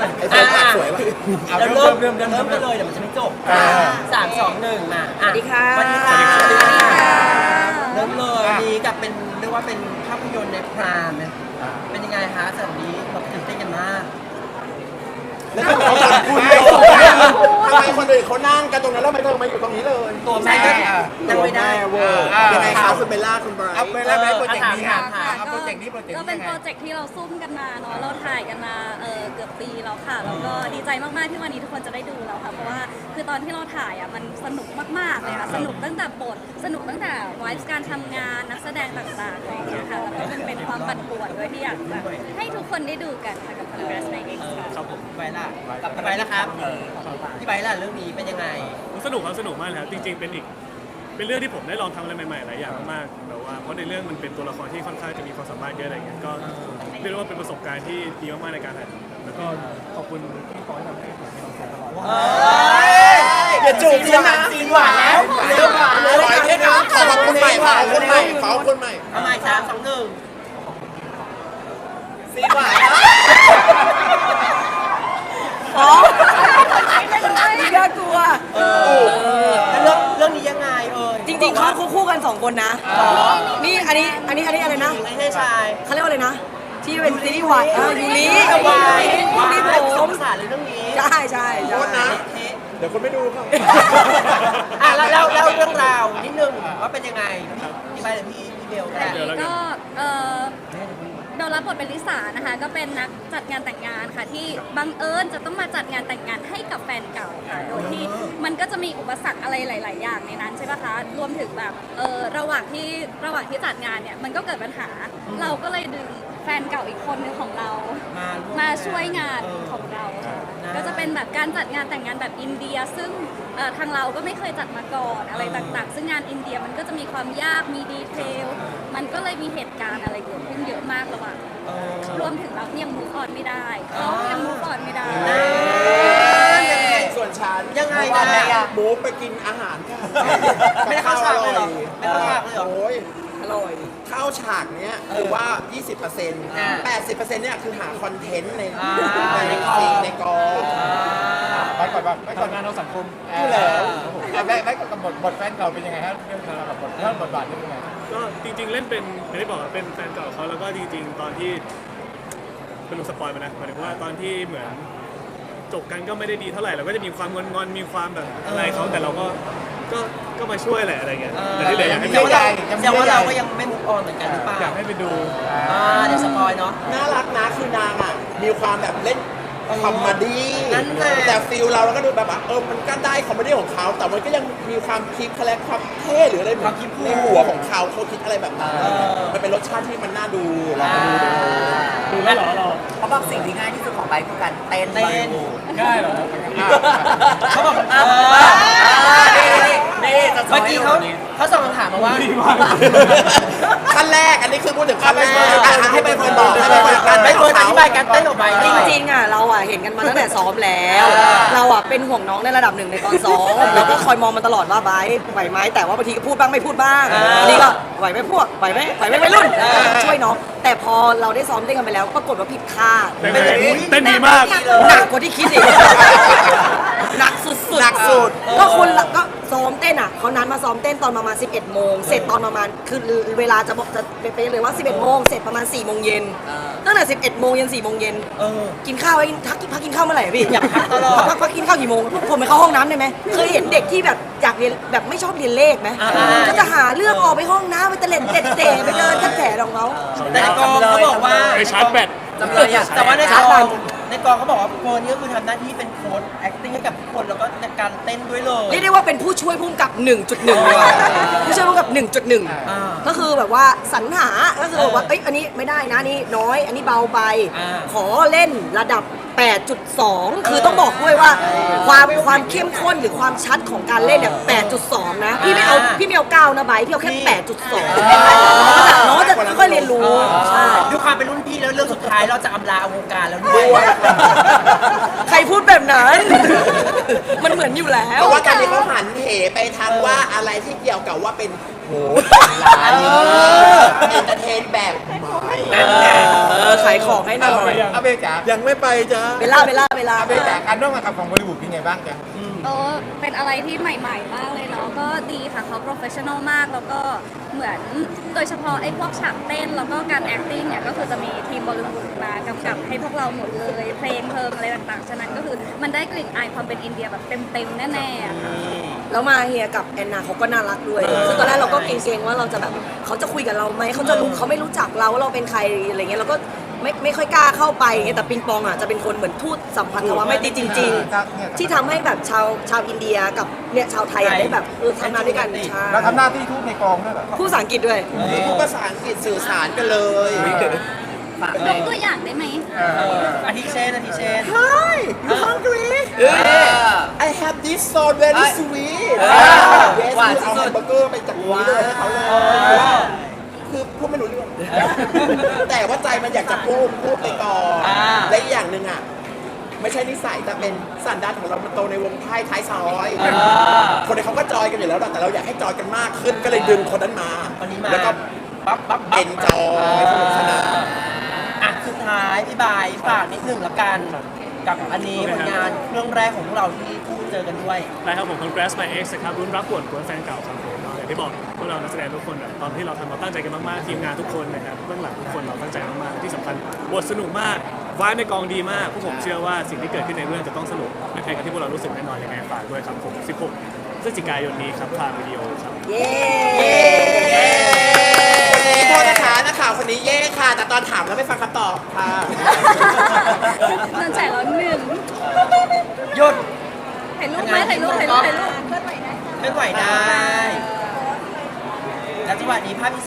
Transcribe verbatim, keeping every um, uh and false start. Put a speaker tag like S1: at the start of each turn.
S1: ไอ้คนสวยว่ะ
S2: เราเริ่มเริ่มเริ่มเริ่มกันเลยเดี๋ยวมันจะไม่จบสามสองหนึ่งมาสวัสดีค่ะสวัสดีค่ะสวัสดีค่ะเริ่มเลยนี้กับเป็นเรียกว่าเป็นภาพยนตร์ในพรามเป็นยังไงฮะสำหรับนี้เราตื่นเต้นกันมาก
S1: แล้วก็เขาถามคุณเลยทำไมคนอื่นเขานั่งกันตรงนั้นแล้วไม่เธอมาอยู่ตรงนี้เลย
S2: ตัวแม่ก็ยังไม่ได้
S1: เวอร์ยังไงคะคุณเบลล่าคุณไบรท์
S3: เอาเบลล่าไบรท์โปรเจกต์นี้ค่ะ
S4: โปรเจกต์นี้โปรเจกต์นี้ก็เป็นโปรเจกต์ที่เราซุ่มกันมาเนาะเราถ่ายกันมาเออเกือบปีแล้วค่ะแล้วก็ดีใจมากๆที่วันนี้ทุกคนจะได้ดูแล้วค่ะเพราะว่าคือตอนที่เราถ่ายอ่ะมันสนุกมากๆเลยค่ะสนุกตั้งแต่บทสนุกตั้งแต่ไวฟ์การทำงานนักแสดงต่างๆอะไรอย่างเงี้ยค่ะแล้วก็มันเป็นความปั่นป่วนด้วยที่อยากแบบให้ทุกคนได้ดูกันค่ะกับ Progress Night X ค่ะ
S2: ครับผมไปล่ะกับไปแล้วครับที่ไปล่ะเรื่องนี้เป็นยังไง
S5: สนุกครับสนุกมากเลยครับจริงๆเป็นอีกเป็นเรื่องที่ผมได้ลองทำอะไรใหม่ๆหลายอย่างมากๆแบบว่าเพราะในเรื่องมันเป็นตัวละครที่ค่อนข้างจะมีความสามารถเยอะอะไรเงี้ยก็เรียกว่าเป็นประสบการณ์ที่ดีมากๆในการถ่ายทำแล้วก็ขอบคุณที่คอยทำให้ผมมีความสุขตลอด
S1: อย่าจูบฉันนะ
S2: ซีนหวานแล้วเริ่มหวานเลย
S1: ขอบคุณใหม่ขอบคุณใหม่ขอบคุณใหม่
S2: เอาใหม่สามสองหนึ่ง
S1: ซีนหวาน
S4: อ๋อน่ากลัว
S2: เออเรื่องเรื่องนี้ยังไงเออ
S4: จริงๆเขาคู่กันสองคนนะนี่อันนี้อันนี้อันนี้อะไรนะ
S2: ไม่ใช่ชาย
S4: เขาเรียกว่าอะไรนะที่เป็นซีรีส์วายยูริ
S2: วาย
S4: ยูริผม
S2: สงสารเลยเรื่องนี้
S4: ใช่ใช่ใช่
S1: นะเดี๋ยวคนไม่ดูครับ
S2: อ่ะแล้วแล้วแล้วเรื่องราวนิดนึงว่าเป็นยังไงพี่ไปเลยพี่พี่เบล
S4: ก็เออโดนรับบทเป็นลิสานะคะก็เป็นนักจัดงานแต่งงานค่ะที่บังเอิญจะต้องมาจัดงานแต่งงานให้กับแฟนเก่าค่ะโดยที่มันก็จะมีอุปสรรคอะไรหลาย ๆ อย่างในนั้นใช่ปะคะรวมถึงแบบเออระหว่างที่ระหว่างที่จัดงานเนี่ยมันก็เกิดปัญหาเราก็เลยดึงแฟนเก่าอีกคนนึงของเรามาช่วยงานของเราค่ะก็จะเป็นแบบการจัดงานแต่งงานแบบอินเดียซึ่งทางเราก็ไม่เคยจัดมาก่อนอะไรต่าง ๆ ซึ่งงานอินเดียมันก็จะมีความยากมีดีเทลมันก็เลยมีเหตุการณ์อะไรเกิดขึ้นเยอะมากระหว่างรวมถึงเรายังมูฟออนไม่ได้เขายังมูฟออนไม่ได้
S1: ส่วนฉัน
S2: ยังไง
S1: นะมูฟไปกินอาหาร
S2: ไม่ได้เข้าฉากเลยหรอไม่เข้าฉากเลยหรอ
S1: โอ้ย
S4: อร่อย
S1: เข้าฉากเนี้ยคือว่า ยี่สิบเปอร์เซ็นต์ แปดสิบเปอร์เซ็นต์ เนี่ยคือหาคอนเทนต์ในในซีนในกอง
S3: ไปก่อนไปก่อนงานเราสังคม
S1: อยู่แล้ว
S3: แม่แม่กับบทบทแฟนเก่าเป็นยังไงฮะเรื่องราวกับบทเรื่องบทบาทเป็นยังไง
S5: ก็จริงๆเล่นเป็นอย่างที่บอกเป็นแฟนเก่าเขาแล้วก็จริงๆตอนที่เป็นลูกสปอยล์มานะหมายถึงว่าตอนที่เหมือนจบกันก็ไม่ได้ดีเท่าไหร่เราก็จะมีความงอนๆมีความแบบอะไรเขาแต่เราก็ก็ก็มาช่วยแหละอะไรเงี้ยแต่ที่เหลืออยากให้
S2: แต่ว่าแต่ว่าเราก็ยังไม่มุกออนเหมือนกันหรือเปล่า
S5: อยากให้ไปดู
S2: อ่าเดี๋ยวสปอยเนาะ
S1: น่ารักนะคือนางอ่ะมีความแบบเล่นคอมเมดี้แต่ฟิลเราเราก็ดูแบบว่าเออมันก็ได้คอมเมดี้ของเขาแต่มันก็ยังมีความคิดคาแรคความเท่หรืออะไรแบบในหัวของเขาเขาคิดอะไรแบบนั้นมันเป็นรสชาติที่มันน่าดูเราดู
S5: ดูแล้วเหรอเรา
S6: เขาบอกสิ่งที่ง่ายที่สุดของไปคือการเต้น
S2: เต้น
S5: ง่ายเหรอ
S2: เขาบอกนี่เมื่อกี้เขาเขาส่งคำถามมาว่า
S1: ขั้นแรกอันนี้คือพูดถึงขั้นแรกให้ไปเฟิร์นบอกให้ไปเฟิร์นกัน
S2: ไปเฟิร์นอธิบายการเต้นออกไป
S4: จริงๆอ่ะเราอ่ะเห็นกันมาตั้งแต่ซ้อมแล้วเราอ่ะเป็นห่วงน้องในระดับหนึ่งในตอนซ้อมแล้วก็คอยมองมันตลอดว่าไบไหวไหมแต่ว่าบางทีก็พูดบ้างไม่พูดบ้างนี่ก็ไหวไหมพวกไหวไหมไหวไหมวัยรุ่นช่วยน้องแต่พอเราได้ซ้อมเต้นกันไปแล้วปรากฏว่าผิดคาด
S5: เต้นดีมาก
S4: หนักกว่าที่คิดอีกหนักสุดๆ
S1: หนักสุด
S4: ก็คนก็ซ้อมเต้นอ่ะเขานัดมาซ้อมเต้นตอนประมาณสิบเอ็ดโมงเสร็จตอนประมาณคือเวลาจะบอกจะเป็นเลยว่าสิบเอ็ดโมงเสร็จประมาณสี่โมงเย็นตั้งแต่สิบเอ็ดโมงยันสี่โมงเย็นกินข้าวไว้ทักพักกินข้าวเมื่อไหร่พี่อยากพักตลอดพักพักกินข้าวกี่โมงผมไปเข้าห้องน้ำได้ไหมเคยเห็นเด็กที่แบบอยากเรียนแบบไม่ชอบเรียนเลขไหมก็จะหาเรื่องออกไปห้องน้ำไปเตะเล่นเตะเตะไปเดินกระแถของเขา
S2: แต่ในกองเขาบอกว่า
S5: ไปชาร์จแบต
S2: แต่ว่าในกองในกองเขาบอกว่าเฟิร์นนี่ก็คือทำหน้าที่เป็นโค้ช acting ให้กับทุกคนแล้วก็ในการเต้นด้วยเลย
S4: เรียกได้ว่าเป็นผู้ช่วยผู้กำกับ หนึ่งจุดหนึ่ง เลยผู้ช่วยผู้กำกับ หนึ่งจุดหนึ่ง ก็คือแบบว่าสรรหาก็คือบอกว่าเอ้ยอันนี้ไม่ได้นะนี่น้อยอันนี้เบาไปขอเล่นระดับ แปดจุดสอง คือต้องบอกด้วยว่าความความเข้มข้นหรือความชัดของการเล่นเนี่ย แปดจุดสอง นะพี่ไม่เอาพี่ไม่เอาเก้านะไบพี่เอาแค่ แปดจุดสอง น้องจะค่อยๆเรียนรู้ใช่
S2: ด้วยความเป็นรุ่นพี่แล้วเรื่องสุดท้ายเราจะอำลาวงการแล้วด้วย
S4: ใครพูดแบบนั้นมันเหมือนอยู่แล้ว
S1: เพราะว่าตอนนี้เขาหันเหไปทางว่าอะไรที่เกี่ยวกับว่าเป็นโหร้านเอนเตอร์เทนแบบใหม่
S7: เออขายของให้หน่อย
S3: เอาเบจ๋า
S1: ยังไม่ไปจ้า
S7: เบลล่าเบลล่าเบลล่า
S3: เอาเบจ๋าการร่วมงานกับของบริบูดเป็นไงบ้างจ๊ะ
S4: โอ้เป็นอะไรที่ใหม่ ๆ มากเลยเนาะ ก็ดีค่ะเขาโปรเฟชชั่นอลมาก แล้วก็เหมือนโดยเฉพาะไอ้พวกฉากเต้น แล้วก็การ acting เนี่ย ก็คือจะมีทีมบอลลูนมากำกับให้พวกเราหมดเลย เพลงเพลิงอะไรต่างๆ ฉะนั้นก็คือมันได้กลิ่นอายความเป็นอินเดียแบบเต็มๆ แน่ๆอะค่ะ
S7: แล้วมาเฮียกับแอนนาเขาก็น่ารักด้วยซึ่งตอนแรกเราก็เกรงๆว่าเราจะแบบเขาจะคุยกับเราไหมเขาจะรู้เขาไม่รู้จักเราว่าเราเป็นใครอะไรเงี้ยเราก็ไม่ไม่ค่อยกล้าเข้าไปอย่างเงี้ยแต่ปิงปองอ่ะจะเป็นคนเหมือนทูตสัมพันธวาไม่ตรีจริง ๆ ที่ทำให้แบบชาวชาวอินเดียกับเนี่ยชาวไทยอะได้แบบเออทำงานด้วยกันใช่
S3: เราทำหน้าที่ทูตในกองด้วยเหรอ
S7: พูดภาษาอังกฤษด้วย
S1: พูดภาษาอังกฤษสื่อสารกันเลย
S6: ฝาก
S4: ย
S6: เล
S4: ก
S6: ย
S4: ตัวอย่างได้ไหม
S2: อาทิเช่นอาทิเช่น
S1: Hi you hungry I have this sauce very sweet
S6: เออ
S1: yes
S6: หวาน
S1: คือเอา
S6: สุ
S1: แฮ
S6: ด
S1: มเบอร์เกอร์ไปจากนี้เลยให้เขาเลย คือพูดไม่รู้เรื่อง แต่ว่าใจมันอยากจะพูดพูดไปก่อน
S2: อ่า
S1: และอีกอย่างหนึ่งอ่ะ ไม่ใช่นิสัยแต่เป็นสันดานของเรามันโตในวงไพ่ท้ายซอย คนนี้เขาก็จอยกันอยู่แล้วแต่เราอยากให้จอยกันมากขึ้นก็เลยดึงคนนั้นมา
S2: คนนี้มา
S1: แล้วก็
S2: ปั๊บปั๊บปั๊บ
S1: เอ็นจอยสนุกสนาน
S2: อ่ะสุดท้ายพี่บายฝากนิดหนึ่งละกัน กับอันนี้ผลงานเรื่องแรกของพวกเราที่คู่เจอกันด้วย
S5: ได้ครับผม Congrats My Ex นะครับรุ่นรักปวดกวนแฟนเก่าครับผมอย่างที่บอกพวกเรานักแสดงทุกคนแบบตอนที่เราทำเราตั้งใจกันมากๆทีมงานทุกคนนะครับเบื้องหลังทุกคนเราตั้งใจมากๆที่สำคัญบทสนุกมากวายในกองดีมากพวกผมเชื่อว่าสิ่งที่เกิดขึ้นในเรื่องจะต้องสนุกไม่แพ้กับที่พวกเรารู้สึกแน่นอนยังไงฝากด้วยครับผมสิบหกพฤศจิกายนนี้ครับทางวิดีโอครับ
S7: เย้
S1: วันนี้โทษนะคะนักข่าวคนนี้เย่ค่ะ แต่ตอนถามแล้วไม่ฟังคำตอบค่ะ
S4: นั่นแฉร้อนหนึ่ง
S2: หยุด
S4: ถ่ายรูปไหมถ่ายรูปถ่ายรูปถ่ายรูป
S2: เคลื่อนไหวได้ แล้วจังหวะนี้ภาพ